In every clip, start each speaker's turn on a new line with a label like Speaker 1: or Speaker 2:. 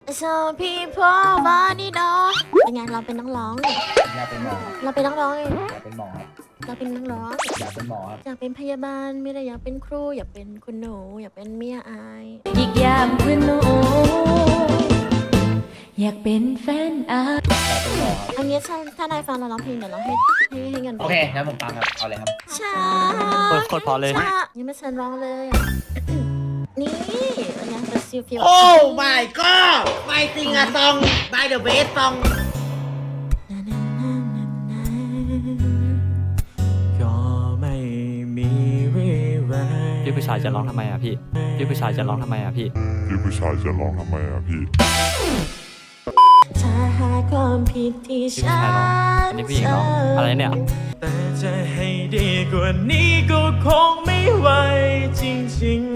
Speaker 1: So people want it all เป็นไงเราเป็นนักร้องเนี่ย
Speaker 2: อยากเป็นหมอ
Speaker 1: เราเป็นนักร้องเอง
Speaker 2: อยากเป็นหมอครับ
Speaker 1: เราเป็นนักร้อง
Speaker 2: อยากเป็นหมอครับ
Speaker 1: อยากเป็นพยาบาลไม่ได้อยากเป็นครูอยากเป็นคุณหนูอยากเป็นเมียอาย
Speaker 3: อีกอย่างคือหนูอยากเป็นแฟนอา
Speaker 2: อยากเป็นหมอครับ
Speaker 1: อันนี้ถ้านายฟังเราร้องเพลงเดี๋ยวเราให้เงิน
Speaker 2: โอเคงั้นผมฟังครับเอาเลยครับ
Speaker 1: ช้า
Speaker 4: โคตรพอเลย
Speaker 1: ช้ายังไม่เชิญร้องเลยอะ นี่เป็นไงเป็นซิลฟิว
Speaker 5: โอ้ my god ไม่จริงอะซอง by the way ซอง
Speaker 4: ก็ไม่มีวี่แววพี่ผู้ชายจะร้องทำไมอ่ะพี่พี่ผู้ชายจะร้องทำไมอ่ะพี่
Speaker 6: พี่ผู้ชายจะร้องทำไมอ่ะพี่
Speaker 1: ถ้าหาความผิดที่
Speaker 4: พี่ผู้
Speaker 1: ฉั
Speaker 4: ชายร้องอันนี้ผู้หญิงร้องอะไรเนี่ย
Speaker 7: แต่จะให้ดีกว่านี้ก็คงไม่ไหวจริง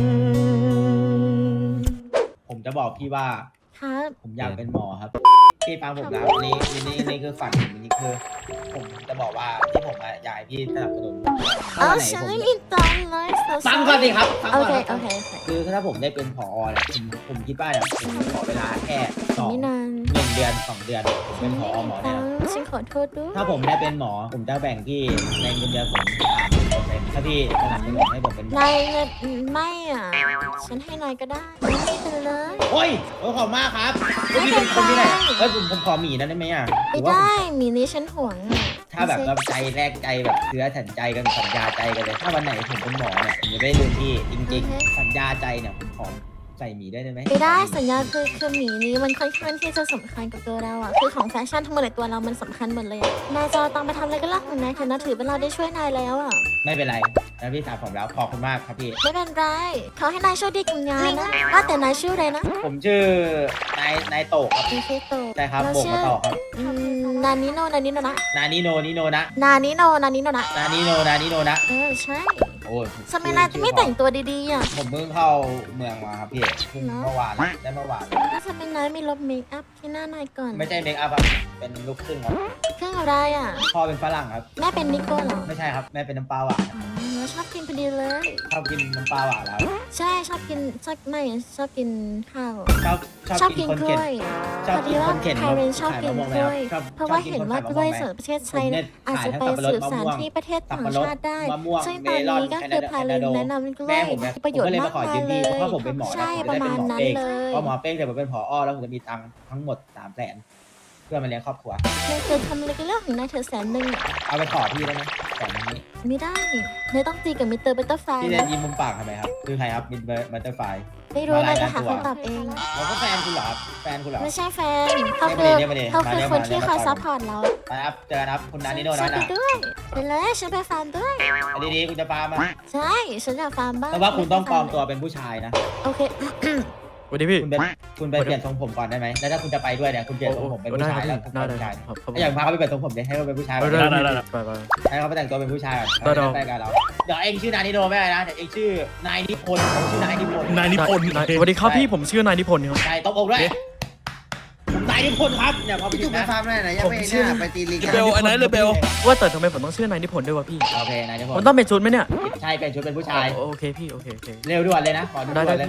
Speaker 2: ผมจะบอกพี่ว่า
Speaker 1: ครับ
Speaker 2: ผมอยากเป็นหมอครับพี่ฟังผมแล้วนี่คือฝันผมนี่คือ ผมจะบอกว่าที่ผมอะอยากให้พี่สนับสนุน
Speaker 1: เอา
Speaker 2: ถ้าวันไหน
Speaker 1: ฉัน
Speaker 2: ผม
Speaker 1: ไม่มีตังค์เลย
Speaker 2: ฟังก่อนสิครับฟัง
Speaker 1: โอ
Speaker 2: ก่อน
Speaker 1: เค
Speaker 2: ครับ
Speaker 1: โอเค
Speaker 2: คือถ้าผมได้เป็นผอเนี่ยผมคิดว่าเนี่ยผมขอเวลาแค่
Speaker 1: ไม่นาน
Speaker 2: 1 เดือน 2 เดือนผมเป็นผอหมอเนี่ย
Speaker 1: ฉันขอโทษด้วย
Speaker 2: ถ้าผมได้เป็นหมอผมจะแบ่งพี่ในเงินเดือนผม30%ถ้าพี่สนับสนุนให้ผมเป็นหมอ
Speaker 1: นายไม่อ่ะ ฉันให้นายก็ได้ไม่เป็นไร
Speaker 2: โอ้ยขอบคุณมากครับพี่เป็นคนที่ไหนอะเฮ้ยผมขอหมีนั้นได้ไหมอ่ะห
Speaker 1: ไม่
Speaker 2: รือว่า
Speaker 1: ได้มีนี้ฉันห่วงอ่ะ
Speaker 2: ถ้าแบบเราใจแรกใจแบบเชื้อสัญใจกันสัญญาใจกันเลย ถ้าวันไหนผมเป็นหมอเนี่ยผมจะได้ลืมพี่จริงๆ สัญญาใจเนี่ยผมขอใส่หมีได้ไหม
Speaker 1: ไม่ได้สัญญาคือหมีนี้มันค่อนข้างที่จะสำคัญกับตัวเราอ่ะคือของแฟชั่นทั้งหมดในตัวเรามันสำคัญหมดเลยอะนายจะเอาตังค์ไปทำอะไรก็เรื่องของนายเถอะนะถือเป็นเราได้ช่วยนายแล้วอ่ะ
Speaker 2: ไม่เป็นไรแล้วพี่สาวผมแล้วขอบคุณมากครับพี่
Speaker 1: ไม่เป็นไรเขาให้นายโชคดีกับงานนะว่าแต่นายชื่ออะไรนะ
Speaker 2: ผมชื่อนายโตครับ
Speaker 1: นายชื่อโต
Speaker 2: ใช่ครับ
Speaker 1: เรา
Speaker 2: โบก
Speaker 1: ชื่
Speaker 2: มาต่อครับ
Speaker 1: นานิโนนานิโนนะ
Speaker 2: นานิโนนิโนนะ
Speaker 1: นานิโนนานิโนนะ
Speaker 2: นานิโนนานิโนนะ
Speaker 1: ใช่
Speaker 2: โอ้ย
Speaker 1: ทำไมนายไม่แต่งตัวดีๆอ่ะ
Speaker 2: ผมเพิ่งเข้าเมืองมาครับพี่เพิ่งเมื่อวานได้เมื่อวาน
Speaker 1: ถ้าทำไมนายไม่ลบเมคอัพที่หน้านายก่อน
Speaker 2: ไม่ใช่เมคอัพครับเป็นลูกครึ่งครับ
Speaker 1: เครื่องอะไรอ่ะ
Speaker 2: พ่อเป็นฝรั่งครับ
Speaker 1: แม่เป็นนิโก้เหรอ
Speaker 2: ไม่ใช่ครับแม่เป็นน้ำปลาหวาน
Speaker 1: อ๋อแล้วชอบกินพอดีเลย
Speaker 2: ชอบกินน้ำปลาหวานแล้ว
Speaker 1: ใช่ชอบกินชอบกินข้าว
Speaker 2: ชอบกินคน
Speaker 1: กล้
Speaker 2: เข็น
Speaker 1: วย
Speaker 2: ชอบกินคนเข็น
Speaker 1: พอดีว่าไทยเรนชอบกินกล้วย
Speaker 2: ชอบ
Speaker 1: เพราะว่า
Speaker 2: ชอบกิน
Speaker 1: เห็นว่า
Speaker 2: คนขาย
Speaker 1: กล้วย
Speaker 2: มะม่วง
Speaker 1: สดประเทศไทย
Speaker 2: ผมเนี่ย
Speaker 1: อาจจะไป
Speaker 2: ขายทั้ง
Speaker 1: สืบสาร
Speaker 2: สับปะรด
Speaker 1: ที่ประเทศ
Speaker 2: สั
Speaker 1: ต่า
Speaker 2: บ
Speaker 1: ง
Speaker 2: ปะรด
Speaker 1: ชาติได้
Speaker 2: มะม่วง
Speaker 1: ซึ่งตอนนี้ก็คือพาลินแนะนำกล้
Speaker 2: แม่
Speaker 1: วย
Speaker 2: ผมเนี่ย
Speaker 1: มีประโยชน์
Speaker 2: ผมก็เลย
Speaker 1: มาก
Speaker 2: มาขอ
Speaker 1: มา
Speaker 2: ยื
Speaker 1: ย
Speaker 2: ม
Speaker 1: เล
Speaker 2: พี่
Speaker 1: ย
Speaker 2: เพราะผมเป็นหมอ
Speaker 1: ใช่
Speaker 2: ผม
Speaker 1: ป
Speaker 2: จะ
Speaker 1: ระ
Speaker 2: ได้
Speaker 1: มา
Speaker 2: เป็
Speaker 1: ณ
Speaker 2: นหมอ
Speaker 1: นั้น
Speaker 2: เอง
Speaker 1: เลย
Speaker 2: พอหมอเป้งเสร็จผมเป็นผอแล้วผมจะมีตังค์ทั้งหมด300,000เพื่อมาเลี้ยงครอบครัวน
Speaker 1: ายเคยทำอะไรกันเรื่องของนายเธอ100,000อ่ะ
Speaker 2: เอาไปขอพี่ได้ไหมแต่นี้
Speaker 1: ไม่ได้นายต้องตีกับมิสเตอร์บัตเตอร์ไฟ
Speaker 2: พี่เล่นยิ้มมุมปากทำไมครับคือใครครับมินเบอร์บัตเตอร์ไฟ
Speaker 1: ไม่รู้นายจะหาคำตอบเอง
Speaker 2: เราก็แฟนคุณเหรอครับแฟนคุณเหรอ
Speaker 1: ไม่ใช่แฟนเขาคือ
Speaker 2: เดี๋ยวมาดิ
Speaker 1: เขาคือ
Speaker 2: มาดิ
Speaker 1: คนที่
Speaker 2: มาดิ
Speaker 1: คอยซัพพอร์ตเรา
Speaker 2: ไปครับเจอกันครับคุณนานิโน
Speaker 1: ฉั
Speaker 2: นะ
Speaker 1: นไปด้วยไปเลยฉันไปฟาร์มด้วย
Speaker 2: ดีๆคุณจะฟาร์มอะ
Speaker 1: ใช่ฉันอยากฟาร์มบ้าง
Speaker 2: แต่ว่าคุณต้องปลอมตัวเป็นผู้ชายนะ
Speaker 1: โอเค
Speaker 7: ๆวันนี้พี่
Speaker 2: คุณไปเปลี่ยนทรงผมก่อนได้ไหมแล้วถ้าคุณจะไปด้วยเนี่ยคุณเปลี่ยนทรงผมเป็นผู้ชายแล้วคุณ
Speaker 7: ได้
Speaker 2: เป็น
Speaker 7: ได้
Speaker 2: ผู้ชาย
Speaker 7: ครับครับ
Speaker 2: อย่างพาเขาไปเปลี่ยนทรงผมเลยให้เขาเป็นผู้ชาย
Speaker 7: ได้ได้ได้ไปไป
Speaker 2: ให้เขาไปแต่งตัวเป็นผู้ชายก่อน
Speaker 7: ได้
Speaker 2: แล้วไปกันเราเดี๋ยวเองชื่อนายนิโนไม่อะไรนะเดี๋ยวเองชื่อนายนิพนธ์ผมชื่อนายนิพนธ์
Speaker 4: นายนิพนธ์
Speaker 7: สวัสดีครับพี่ผมชื่อนายนิพนธ์ครับ
Speaker 2: ใช่ตบอกด้วยผมนายนิพนธ์ครับเนี่ยพอไป
Speaker 5: พี่
Speaker 2: ถึ
Speaker 5: จุก
Speaker 2: ง
Speaker 5: ไป
Speaker 2: นะ
Speaker 5: ฟาร์มได้ไหนยังไม่น่าไปตีลิง
Speaker 4: เบลอันไหนเลยเบล
Speaker 7: ว่าแต่ทำไมผมต้องชื่อนายนิพนธ์ด้วยวะพี่
Speaker 2: โอเคนายนิพ
Speaker 7: ผม
Speaker 2: นธ์
Speaker 7: ต้องเป็นชุดไหมเนี่ย
Speaker 2: ใช่เป็นชุดเป็นผู้ชาย
Speaker 7: โอเคพี่โอเคโอเค
Speaker 2: เร็วด่วนเลยนะขอด่
Speaker 7: ได้
Speaker 2: วนเลย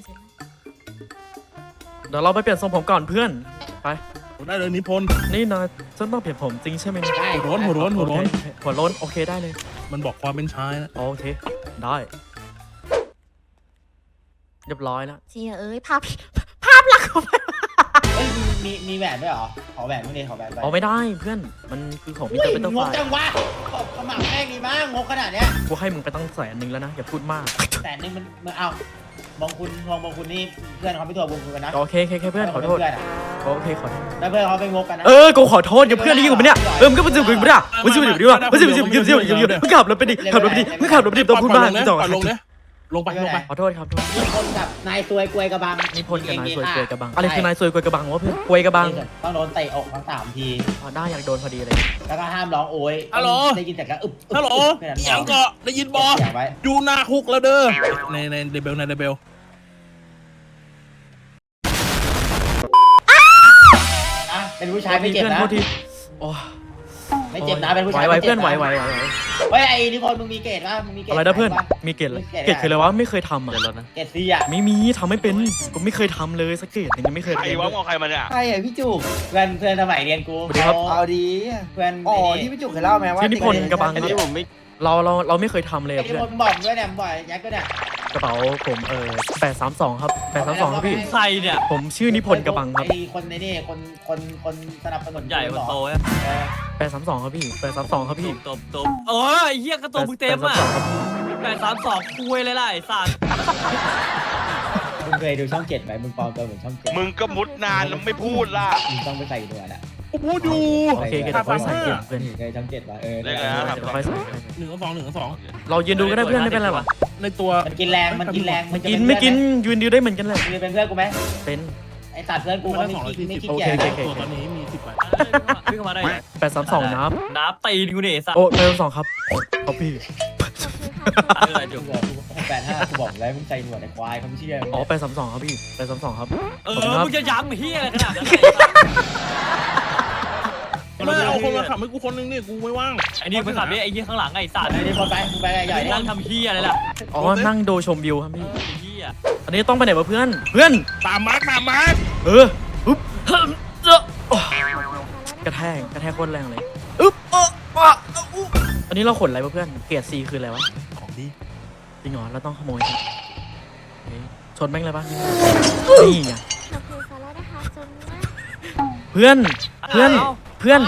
Speaker 7: เดี๋ยวเราไปเปลี่ยนทรงผมก่อนเพื่อนไป
Speaker 4: ได้เลยนิพนธ์
Speaker 7: นี่นายฉันต้องเปลี่ยนผมจริงใช่ไหมเนี่ย
Speaker 2: ใช่
Speaker 4: หัวร้อนหัวร้อนหัวร้อน
Speaker 7: โอเคหัวโล้นโอเคได้เลย
Speaker 4: มันบอกความเป็นชายนะ
Speaker 7: โอเคได้เรียบร้อยแล้ว
Speaker 1: เจียเอ้ยภาพหลักของมัน
Speaker 2: เฮ้ยมีแหวนด้วยเหรอขอแหวนพวกนี้ขอแหวนไป
Speaker 7: เอาไม่ได้เพื่อนมันคือของมิส
Speaker 2: อุ้
Speaker 7: เตอย ร์เป็นตัว
Speaker 2: ง
Speaker 7: ไฟ
Speaker 2: กจังวะขมักแม่งดีมากงกขนาดเนี้ย
Speaker 7: กูให้มึงไปตั้ง100,000แล้วนะอย่าพูดมาก
Speaker 2: 100,000มันเอามองคุณนี่เพื่อนเขาไม่ตัวบุญคุณกันนะ
Speaker 7: โอเคเพื่อนขอโทษ
Speaker 2: เพื่อนอะ
Speaker 7: โอเคขอโทษ
Speaker 2: แล้วเพื่อนเขาไปงกกันนะ
Speaker 7: กูขอโทษอย่าเพื่อนได้ยินกูไหมเนี่ยมันก็มันจะกูไม่ได้มันจะอยู่ดีวะมันจะมึงขับรถไปดิขับรถไปดิมึงขับรถไปดิตัวพูดมาก
Speaker 4: นะ
Speaker 7: จ่อ
Speaker 4: ปล่อยลงนะลงไปลงไป
Speaker 7: ขอโทษครับ
Speaker 2: มีคนกับนายซวยกวยกระบัง
Speaker 7: นิพนธ์กับนายซวยกวยกระบังอะไรคือนายซวยกวยกระบังวะเพื่อนกวยกระบัง
Speaker 2: ต้องโดนเตะอกทั้ง3 ที
Speaker 7: ได้อยากโดนพอดีเลย
Speaker 2: แล้วก็ห้ามร้องโอยได้ยินแต่ก็อึบ
Speaker 4: ฮัลโหล
Speaker 2: แค่นั้น
Speaker 4: ยังก็ได้ยินบอ
Speaker 2: เสียงไว้
Speaker 4: ดูหน้าคุกแล้วเด้อในเดเบลในเดเบล
Speaker 2: นะเป็นผู้ชายไม่เจ็บนะ
Speaker 7: โอ้
Speaker 2: ไม่เจ็บนะเป็นผู้ชาย
Speaker 7: ไหว
Speaker 2: ไม่
Speaker 7: เพื่
Speaker 2: เจ็
Speaker 7: อน
Speaker 2: บ
Speaker 7: ไหว
Speaker 2: นะเฮ้ยไอ้นิพนธ์มึงมีเกรดป่ะมึงมีเกรด
Speaker 7: อะไรนะเพื่อน
Speaker 2: ปะ
Speaker 7: มีเกรดอะไรเกรดคืออะไรวะไม่เคยทำอ่ะ
Speaker 2: เกรดซีอ่ะ
Speaker 7: ไม่มีทำไม่เป็นกูไม่เคยทำเลยสักเกรดหนึงยังไม่เคย
Speaker 8: ใคร
Speaker 7: เรียน
Speaker 8: วะมองใครมาเนี่ย
Speaker 5: ใครอ่ะพี่จุก
Speaker 2: เพื่อนสมัยเรียนกู
Speaker 7: สวัสดีครับ
Speaker 5: เอาดี
Speaker 2: เพื่อน
Speaker 5: อ๋อที่พี่จุกเคยเล่าไหมว่า
Speaker 7: ชื่อนิพนธ์กระบัง
Speaker 8: อันนี้ผมไม่
Speaker 7: เราไม่เคยทำเลย
Speaker 2: ไอ้
Speaker 7: อะ
Speaker 2: นิ
Speaker 7: เพื่อ
Speaker 2: พ
Speaker 7: น
Speaker 2: นธ์บอกด้วยเนี่ยบ่อยยักษ์ก็เนี่ย
Speaker 7: กระเป๋าผม832ครับ832ครับพี่
Speaker 4: ใครเนี่ย
Speaker 7: ผมชื่อนิพนธ์กระบังครับ
Speaker 2: ไอ้คนในนี่คนสนับสนุน
Speaker 4: ใหญ่คนโต
Speaker 2: เอ
Speaker 4: อะ
Speaker 2: อ
Speaker 7: 832ครับพี่832ครับพี่
Speaker 4: ตบโอ้ยเหี้ยกระตุกมึงเต็มอ่ะ
Speaker 7: 832ครับพี่
Speaker 4: 832คุยเลยล่ะไอ้สัตว์
Speaker 2: มึงเคยดูช่อง7ไหมมึงปลอมตัวเหมือนช่อง7
Speaker 8: มึงก็มุดนานแล้วไม่พูดล่ะ
Speaker 2: มึงต้องไปใส่หนวดอ่ะ
Speaker 8: กูพูดอยู่
Speaker 7: โอเคเดี๋ยวค่อยใส่เกรดเพื่อน
Speaker 2: เคยช่อง7ป่ะเออ
Speaker 8: เรียกอะไรนะ
Speaker 7: เดี๋ยวค่อยใส่
Speaker 9: 1-2
Speaker 7: เรายืนดูก็ได้เพื่อนไม่เป็นไรหรอก
Speaker 9: ในตัว
Speaker 2: มันกินแรงมันกินแรง
Speaker 7: มันกินไม่กินยืนดูได้เหมือนกันเลย
Speaker 2: มึงจะเป็นเพื่อนกูไหม
Speaker 7: เป็น
Speaker 2: ไอ้สัตว์เพื่อนกูเขาไม่ขี้เกียจ
Speaker 7: โอเค
Speaker 9: ตัวตอนนี้มี10 ใบ
Speaker 4: ขึ้นเข้ามาได้
Speaker 7: 832นับ
Speaker 4: น้ำตีนกูเนี่ยไอ้สัตว์
Speaker 7: โอ้832ครับครับพี่
Speaker 4: คืออะไรจุก
Speaker 2: 85กูบอกแล้วมึงใส่หนวดไอ้ควายเขาไม่เชื่อ
Speaker 7: อ๋อ832ครับพี่832ครับ
Speaker 4: มึงจะย้ำเหี้ยอะไรขนาดนั้น
Speaker 9: ไม่เอาคนมาขับให้กูคนนึงเนี่ยกูไม่ว่าง
Speaker 4: ไอ้นี่มึงขับดิไอ้เหี้ยข้างหลังไอ้สัตว์
Speaker 2: ไอ้นี่พอไปมึงไปใหญ่ดิ
Speaker 4: นั่งทำเหี้ยอะไรล่ะ
Speaker 7: อ๋อนั่งดูชมวิวครับพี่
Speaker 4: ไอ้เหี้ย
Speaker 7: อันนี้ต้องไปไหนวะเพื่อนเพื่อน
Speaker 9: ตามมาร์ค
Speaker 7: อุ๊บโอ้กระแทกโคตรแรงเลยอึ๊บอันนี้เราขนอะไรวะเพื่อนเกรด C คืออะไรวะ
Speaker 9: ของดี
Speaker 7: จริงเหรอเราต้องขโมยครับโอเคชนแม่งเลยปะนี่ไง
Speaker 1: ขอบคุณค่ะแล้วนะคะจนว่า
Speaker 7: เพื่อนไม่เพื่อนเพื่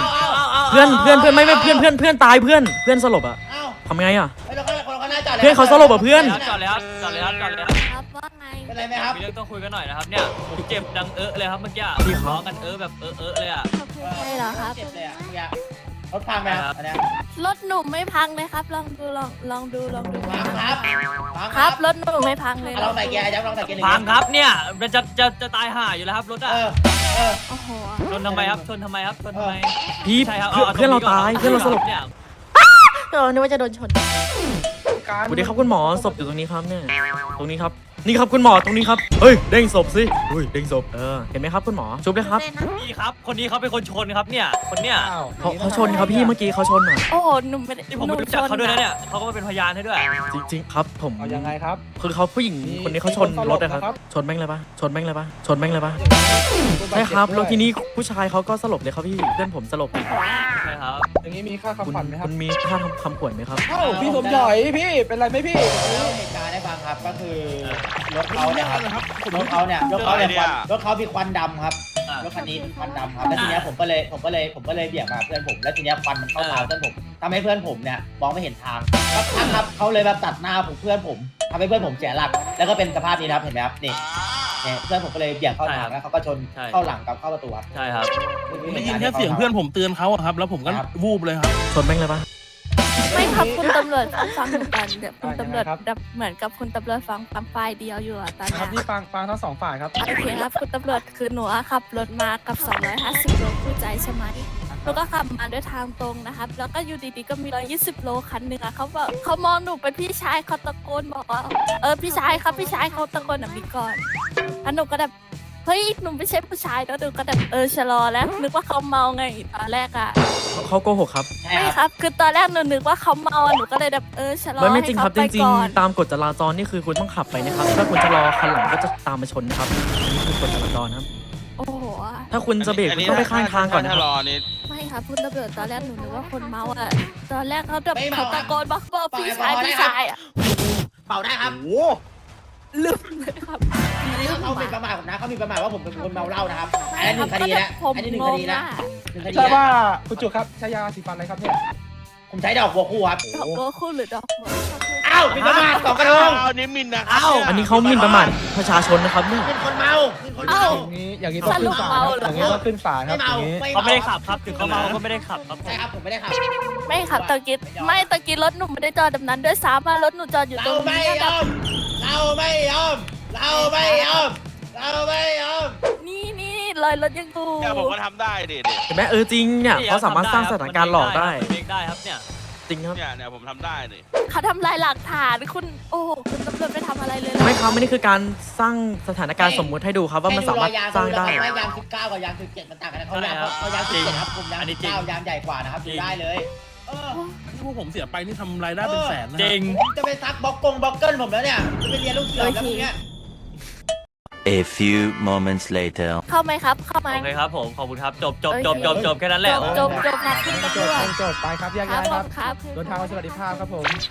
Speaker 7: อนตายเพื่อนสลบอะ
Speaker 2: เอ้า
Speaker 7: ทำไงอะ
Speaker 2: ไอ้เราก็น่าจอด
Speaker 7: เพื่อนเขาสลบอ่ะเพื่อน
Speaker 4: จอดเลยครับจอดเลยครับจอดเลยครับ
Speaker 1: ครับว่าไง
Speaker 2: เป็นไรไหมครับ
Speaker 4: มีเรื่องต้องคุยกันหน่อยนะครับเนี่ยผมเจ็บดังเลยครับเมื่อกี้ร้องกันแบบเลยอ่ะ
Speaker 1: ขอบคุณใครเหรอครับ
Speaker 2: เจ็บเลยอ่ะเนี่ยรถพังไหมครับอันเนี้ย
Speaker 1: รถหนุ่มไม่พังเลยครับ ลองดูลองดู
Speaker 2: พังครับพัง
Speaker 1: ครับรถหนุ่มไม่พังเลย
Speaker 2: ลองใส่เกียร์ลองใส่เกียร์หนึ่ง
Speaker 4: พังครับเนี่ยมันจะตายห่าอยู่แล้วครับรถอ่ะ
Speaker 2: เออ
Speaker 1: โอ้โห
Speaker 4: ชนทำไมครับชนทำไมครับชนทำไม
Speaker 7: พี่
Speaker 4: ใช่ครับ
Speaker 7: เพื่อนเราตายเพื่อนเราสลบ
Speaker 4: เนี่ย
Speaker 1: นึกว่าจะโดนชน
Speaker 7: สวัสดีครับคุณหมอศพอยู่ตรงนี้ครับเนี่ยตรงนี้ครับนี่ครับคุณหมอตรงนี้ครับเฮ้ยเด้งศพสิเฮ้ยเด้งศพเห็นไหมครับคุณหมอชุบเลยครับ
Speaker 4: นี่ครับคนนี้เขาเป็นคนชนครับเนี่ยคนเนี้ย
Speaker 7: เขาชนครับพี่เมื่อกี้เขาชนอ่ะ
Speaker 1: โอ้โหหนุ่มไม่ได้
Speaker 4: ที่ผมไม่รู้จักเขาด้วยนะเนี่ยเขาก็มาเป็นพยานให้ด้วย
Speaker 7: จริงๆครับผม
Speaker 5: เอายังไงครับ
Speaker 7: คือเขาผู้หญิงคนนี้เขาชนรถนะครับชนแม่งเลยปะชนแม่งเลยปะใช่ครับแล้วทีนี้ผู้ชายเขาก็สลบเลยครับพี่เพื่อนผมสลบ
Speaker 4: ใช่ครับ
Speaker 5: อย่างนี้มีค่า
Speaker 7: คุณ
Speaker 5: คำขวัญไหมครับ
Speaker 7: คุณมีค่าทำคำขวัญไหมครับ
Speaker 5: เอ้าพี่สมหยอยพี่เป็นไรไหมพี่
Speaker 2: แล้วเหตุการณ์ได้ฟังครับก็คือรถเขาเนี่ยครับรถเขาเนี่ยรถเขามีควันดำครับรถคันนี้ควันดำครับแล้วทีเนี้ยผมก็เลยเบี่ยงมาเพื่อนผมแล้วทีเนี้ยควันมันเข้าตาเพื่อนผมทำให้เพื่อนผมเนี่ยมองไม่เห็นทางครับเขาเลยแบบตัดหน้าผมเพื่อนผมทำให้เพื่อนผมเสียหลักแล้วก็เป็นสภาพนี้นะครับเห็นไหมครับนี่เพื่อนผมก็เลยเบี่ยงเข้าทางแล้วเขาก็ชนเข้าหลังกับเข้าประตูครับ
Speaker 4: ใช่ครับ
Speaker 9: ได้ยินแค่เสียงเพื่อนผมเตือนเขาอะครับ แล้วผมก็วูบเลยครับ
Speaker 7: ชนแม่งเลยปะ
Speaker 10: ไม่ครับคุณตำรวจฟังหนูก่อนเดี๋ยวคุณตำรวจแบบเหมือนกับคุณตำรวจฟังฝ่ายเดียวอยู่อะตอน
Speaker 5: ครับ
Speaker 10: เนี้
Speaker 5: พี่
Speaker 10: ย
Speaker 5: ฟังทั้งสองฝ่ายครับ
Speaker 10: โอเคครับคุณตำรวจคือหนูอะขับรถมากับ 250 โลคู่ใจใช่ไหมหนูก็ขับมาด้วยทางตรงนะครับ แล้วก็อยู่ดีๆก็มี120 โลคันหนึ่งอะเขาบอกเขามองหนูเป็นพี่ชายเขาตะโกนบอกว่าพี่ชายครับพี่ชายเขาตะโกนแบบนี้ก่อนแล้วหนูก็แบบเฮ้ยหนูไม่ใช่ผู้ชายแล้วหนูก็แบบชะลอแล้วนึกว่าเขาเมาไงตอนแรกอะ
Speaker 7: เขาโกหกครับ
Speaker 10: ไม่ครับ คือตอนแรกหนูนึกว่าเขาเมาอะหนูก็เลยแบบชะลอ
Speaker 7: ไม่
Speaker 10: ให้
Speaker 7: จริงค
Speaker 10: เขา
Speaker 7: รับ
Speaker 10: ไป
Speaker 7: จริง
Speaker 10: ก่อน
Speaker 7: ๆตามกฎจราจรนี่คือคุณต้องขับไปนะครับถ้าคุณจะรอคันหลังก็จะตามมาชนนะครับอันนี้คือกฎจราจรครับ
Speaker 10: โอ้โห
Speaker 7: ถ้าคุณจะเบรกคุณต้องไปข้างทางก่อนนะค
Speaker 8: ถ้า
Speaker 7: รับ
Speaker 8: รอนี่
Speaker 10: ไม่ครับคุณตำรวจตอนแรกหนูนึกว่าคนเมาอ่ะ ตอนแรกเขาแบบเขาตะโกนบอกพี่ชายพี่ชายอ่ะ
Speaker 2: เป่าได้ครับ
Speaker 10: ลืมเลยครับลืม
Speaker 2: เขาเป็นประมาทผมนะเขามีประมาทว่าผมเป็นคนเมาเหล้านะครับอันนี้หนึ่งคดีนะ
Speaker 10: ผม
Speaker 2: อันนี้หนึ่ง
Speaker 10: ง
Speaker 2: ค
Speaker 10: ง
Speaker 2: ดีนะ
Speaker 10: อ่ะ
Speaker 2: หนึ่งคดี
Speaker 5: ใช่
Speaker 2: นะ
Speaker 5: ว่าคุณจุกครับใช้ยาสีฟันอะไรครับเนี่ย
Speaker 2: ผมใช้ดอกบัวคู่ครับ
Speaker 10: ดอกบัวคู่หรือดอกบัว
Speaker 2: อ้าวมีประมาทสองกระทง
Speaker 8: อ้าวนี่มินนะ
Speaker 7: อันนี้เขาหมิ่นประมาทประชาชนนะครับเนี่ย
Speaker 2: เป็นคนเมาเป็นคนเมา
Speaker 5: อย่างนี้ต้องขึ้นศาลครับอย่างนี้ต้องขึ้นศาลครับอย่างนี้
Speaker 4: เขาไม่ได้ขับครับถึงเขาเมาก็ไม่ได้ขับครับ
Speaker 2: ใช่ครับผมไม่ได้ขับ
Speaker 10: ไม่ครับตะกี้ไม่ตะกี้รถหนูไม่ได้จอดแบบนั้นด้วยซ้ำรถหนูจอดอยู่ตร
Speaker 2: เรา
Speaker 10: ง
Speaker 2: ไม่
Speaker 10: นี้
Speaker 2: ยอมเราไม่ยอมเราไม่ยอมเราไม่ยอม
Speaker 10: นี่รอยรถยังดู
Speaker 8: เนี่ยผมก็ทำได้ดิ
Speaker 7: เห็นไหมจริงเนี่ยเขาสามารถสร้างสถานการณ์หลอกได้
Speaker 4: เบรกได้ครับเนี่ย
Speaker 7: จริงครับ
Speaker 8: เนี่ยผมทำได้ดิ
Speaker 10: เขาทำลายหลักฐานคุณโอ้โหคุณตำรวจไม่ทำอะไรเลย
Speaker 7: ไม่ครับไม่นี่คือการสร้างสถานการณ์สมมุติให้ดูครับว่ามันสามารถสร้างได้
Speaker 2: ยาง19กับยาง17มันต่างกันนะเขายาง17ครับผมยาง19ยางใหญ่กว่านะครับดูได้เลย
Speaker 9: ที่พวกผมเสียไปนี่ทำรายได้เป็นแสนนะ
Speaker 4: จริง
Speaker 2: จะไปซักบล็อกเกิลผมแล้วเนี่ยจะไปเรียนลูกเสือแล้วพวกเนี้ย
Speaker 11: A few moments later
Speaker 10: เข้าไหมครับ เข้าไหม
Speaker 4: โอเคครับผมขอบคุณครับจบแค่นั้นแหละ
Speaker 10: จบนัดคุณตำรวจ
Speaker 5: จบไปครับแยก
Speaker 10: ครับ
Speaker 5: ย้าย
Speaker 10: ผ
Speaker 5: ครับ
Speaker 10: มครับ
Speaker 5: เดินทางไปสวัสดิภาพครับผม